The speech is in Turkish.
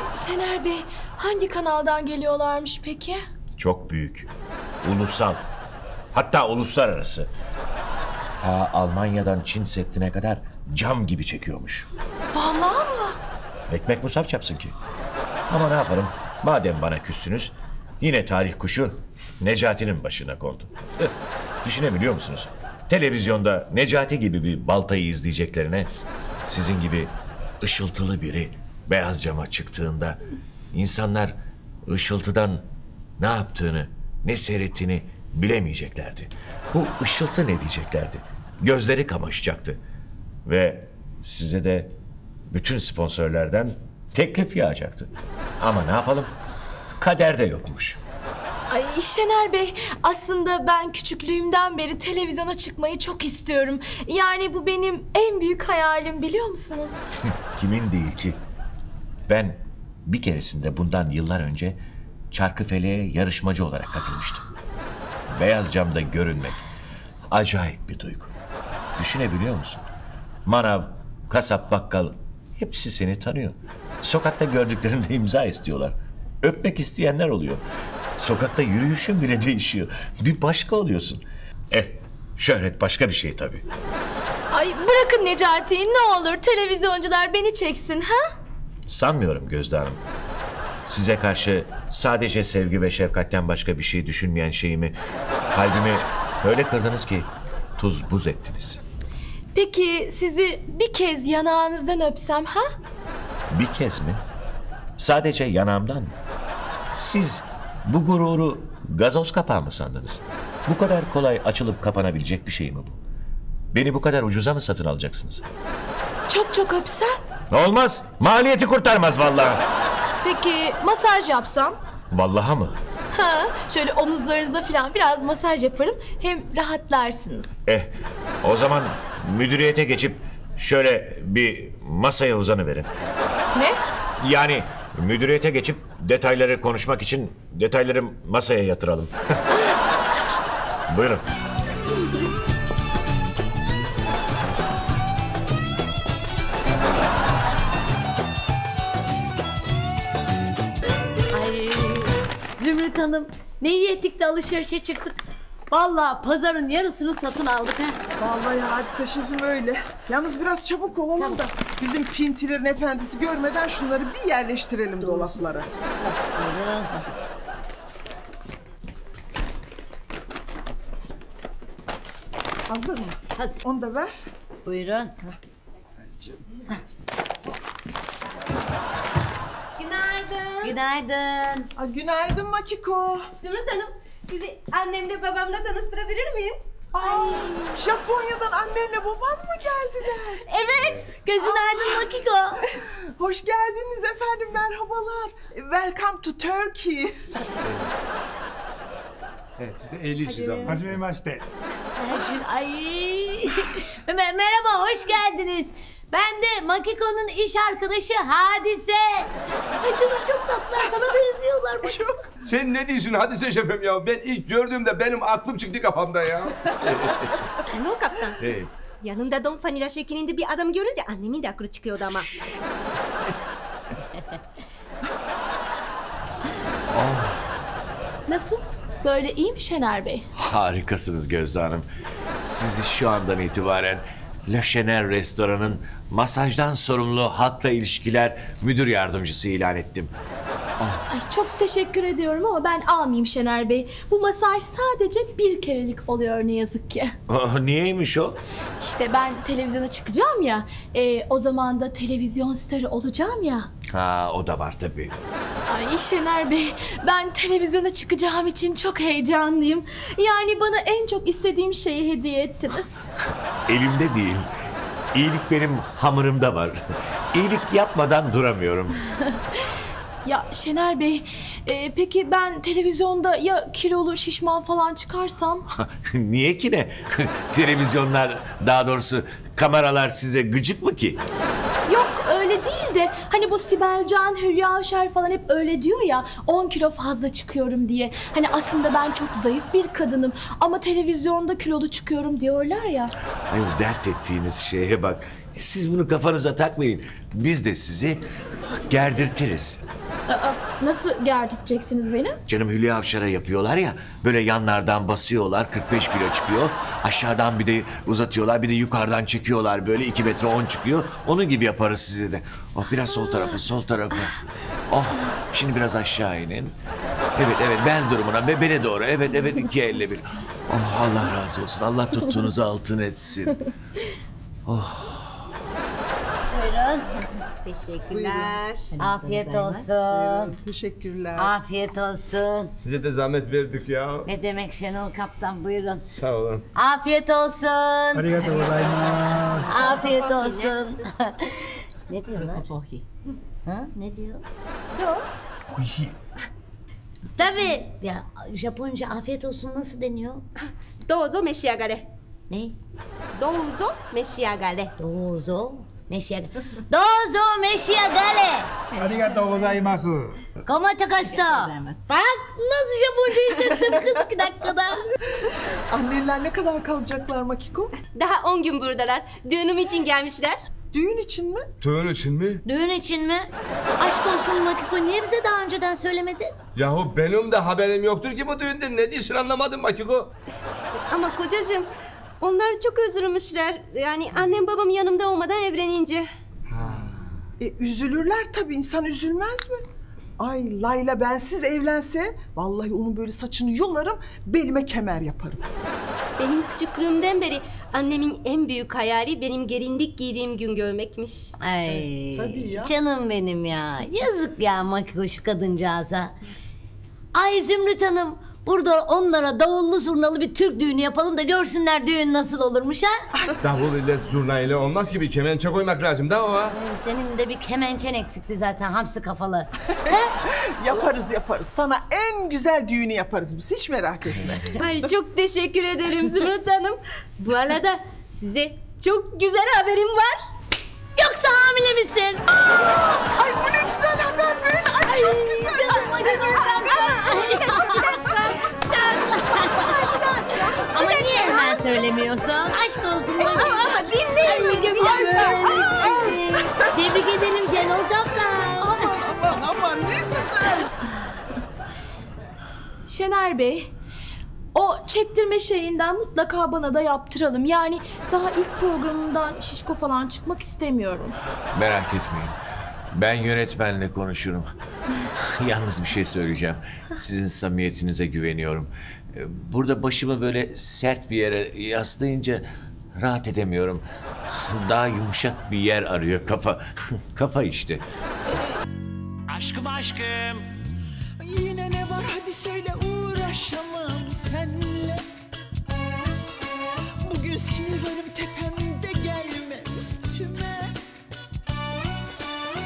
Şener Bey, hangi kanaldan geliyorlarmış peki? Çok büyük. Ulusal. Hatta uluslararası. Ta Almanya'dan Çin Seddi'ne kadar cam gibi çekiyormuş. Vallahi mı? Ekmek musaf yapsın ki. Ama ne yapalım? Madem bana küssünüz, yine tarih kuşu Necati'nin başına kondu. Düşünebiliyor musunuz? Televizyonda Necati gibi bir baltayı izleyeceklerine sizin gibi ışıltılı biri beyaz cama çıktığında insanlar ışıltıdan ne yaptığını, ne seyrettiğini bilemeyeceklerdi. Bu ışıltı ne diyeceklerdi? Gözleri kamaşacaktı. Ve size de bütün sponsorlardan teklif yağacaktı. Ama ne yapalım? Kaderde yokmuş. Ay Şener Bey, aslında ben küçüklüğümden beri televizyona çıkmayı çok istiyorum. Yani bu benim en büyük hayalim, biliyor musunuz? Kimin değil ki? Ben bir keresinde bundan yıllar önce Çarkıfele'ye yarışmacı olarak katılmıştım. Beyaz camda görünmek acayip bir duygu. Düşünebiliyor musun? Manav, kasap, bakkal hepsi seni tanıyor. Sokakta gördüklerinde imza istiyorlar. Öpmek isteyenler oluyor. Sokakta yürüyüşün bile değişiyor. Bir başka oluyorsun. Şöhret başka bir şey tabii. Ay bırakın Necati'yi, ne olur televizyoncular beni çeksin, ha? Sanmıyorum Gözde Hanım. Size karşı sadece sevgi ve şefkatten başka bir şey düşünmeyen şeyimi, kalbimi öyle kırdınız ki tuz buz ettiniz. Peki sizi bir kez yanağınızdan öpsem, ha? Bir kez mi? Sadece yanağımdan mı? Siz bu gururu gazoz kapağı mı sandınız? Bu kadar kolay açılıp kapanabilecek bir şey mi bu? Beni bu kadar ucuza mı satın alacaksınız? Çok çok öpsem? Olmaz. Maliyeti kurtarmaz vallahi. Peki masaj yapsam? Vallahi mı? Ha, şöyle omuzlarınıza falan biraz masaj yaparım. Hem rahatlarsınız. O zaman müdüriyete geçip şöyle bir masaya uzanıverin. Ne? Yani müdüriyete geçip detayları konuşmak için detayları masaya yatıralım. Buyurun. Ay, Zümrüt Hanım, ne iyi ettik de alışverişe çıktık. Vallahi pazarın yarısını satın aldık ha. Vallahi hadise şefim öyle. Yalnız biraz çabuk olalım da bizim pintilerin efendisi görmeden şunları bir yerleştirelim dolaplara. Buyurun. Hazır mı? Hazır. Onu da ver. Buyurun. Günaydın. Günaydın. Günaydın Makiko. Zümrüt Hanım, sizi annemle babamla tanıştırabilir miyim? Ay, Japonya'dan annenle baban mı geldiler? Evet. Gözün aydın Makiko. Hoş geldiniz efendim, merhabalar. Welcome to Turkey. Evet, siz de eğilirsiniz ama. Hacimemashite. Ay. Merhaba, hoş geldiniz. Ben de Makiko'nun iş arkadaşı Hadise. Ay canım, çok tatlılar, sana benziyorlar. Bak. Sen ne diyorsun Hadise şefim ya? Ben ilk gördüğümde benim aklım çıktı kafamda ya. Şenol Kaptan. Evet. Yanında Don Vanilla şeklinde bir adam görünce annemin de aklı çıkıyordu ama. Nasıl? Böyle iyi mi Şener Bey? Harikasınız Gözde Hanım. Sizi şu andan itibaren Le Chener Restoran'ın masajdan sorumlu halkla ilişkiler müdür yardımcısı ilan ettim. Ay çok teşekkür ediyorum ama ben almayayım Şener Bey. Bu masaj sadece bir kerelik oluyor ne yazık ki. Niyeymiş o? İşte ben televizyona çıkacağım ya. O zaman da televizyon starı olacağım ya. Ha, o da var tabii. Ay Şener Bey, ben televizyona çıkacağım için çok heyecanlıyım. Yani bana en çok istediğim şeyi hediye ettiniz. Elimde değil. İyilik benim hamurumda var. İyilik yapmadan duramıyorum. Ya Şener Bey, peki ben televizyonda ya kilolu şişman falan çıkarsam? Niye ki ne? Televizyonlar, daha doğrusu kameralar size gıcık mı ki? Yok öyle değil de hani bu Sibel Can, Hülya Avşar falan hep öyle diyor ya 10 kilo fazla çıkıyorum diye. Hani aslında ben çok zayıf bir kadınım ama televizyonda kilolu çıkıyorum diyorlar ya. Ay, dert ettiğiniz şeye bak. Siz bunu kafanıza takmayın. Biz de sizi gerdirtiriz. Nasıl gerdirteceksiniz beni? Canım Hülya Avşar'a yapıyorlar ya, böyle yanlardan basıyorlar, 45 kilo çıkıyor. Aşağıdan bir de uzatıyorlar, bir de yukarıdan çekiyorlar, böyle 2 metre 10 çıkıyor. Onun gibi yaparız size de. Oh, biraz sol tarafı, sol tarafı. Oh, şimdi biraz aşağı inin. Evet, evet, bel durumuna ve bele doğru. Evet, evet, 2 elle bir. Oh, Allah razı olsun. Allah tuttuğunuzu altın etsin. Buyurun. Teşekkürler. Afiyet olsun. Teşekkürler. Afiyet olsun. Size de zahmet verdik ya. Ne demek Şenol Kaptan, buyurun. Sağ olun. Afiyet olsun. Afiyet olsun. Ne diyorlar? Ha? Ne diyor? Tabii. Ya Japonca afiyet olsun nasıl deniyor? どうぞ召し上がれ。 Ne? どうぞ召し上がれ。 Dozo meşiyagale. Dozo meşiyagale. ありがとうございます。 Como te gusto? Bak nasıl Japoncayı söktüm kız 2 dakikada. Anneler ne kadar kalacaklar Makiko? Daha 10 gün buradalar. Düğünüm için gelmişler. Düğün için mi? Düğün için mi? Düğün için mi? Aşk olsun Makiko niye bize daha önceden söylemedin? Yahu benim de haberim yoktur ki bu düğünden. Ne diyorsun anlamadım Makiko. Ama kocacığım onlar çok üzülmüşler. Yani annem babam yanımda olmadan evlenince. Üzülürler tabii, insan üzülmez mi? Ay Layla bensiz evlense vallahi onun böyle saçını yolarım, belime kemer yaparım. Benim küçüklüğümden beri annemin en büyük hayali benim gelinlik giydiğim gün görmekmiş. Ay Tabii ya. canım benim ya. Yazık ya Makiko şu kadıncağıza. Ay Zümrüt Hanım burada onlara davullu zurnalı bir Türk düğünü yapalım da görsünler düğün nasıl olurmuş ha. Davul ile zurna ile olmaz ki, bir kemençe koymak lazım da o ha. Senin de bir kemençen eksikti zaten hamsi kafalı. Yaparız yaparız. Sana en güzel düğünü yaparız biz, hiç merak etme. Ay çok teşekkür ederim Zümrüt Hanım. Bu arada size çok güzel haberim var. Yoksa hamile misin? Ay bu ne güzel haber böyle. Ay çok güzel. Ama niye hemen söylemiyorsun? Aşk olsun. Ama dinleyin beni bir dakika. Tebrik ederim Şenol Kaptan. Aman ne güzel. Şener Bey, o çektirme şeyinden mutlaka bana da yaptıralım. Yani daha ilk programımdan şişko falan çıkmak istemiyorum. Merak etmeyin. Ben yönetmenle konuşurum. Yalnız bir şey söyleyeceğim. Sizin samimiyetinize güveniyorum. Burada başımı böyle sert bir yere yaslayınca rahat edemiyorum. Daha yumuşak bir yer arıyor kafa. Kafa işte. Aşkım aşkım.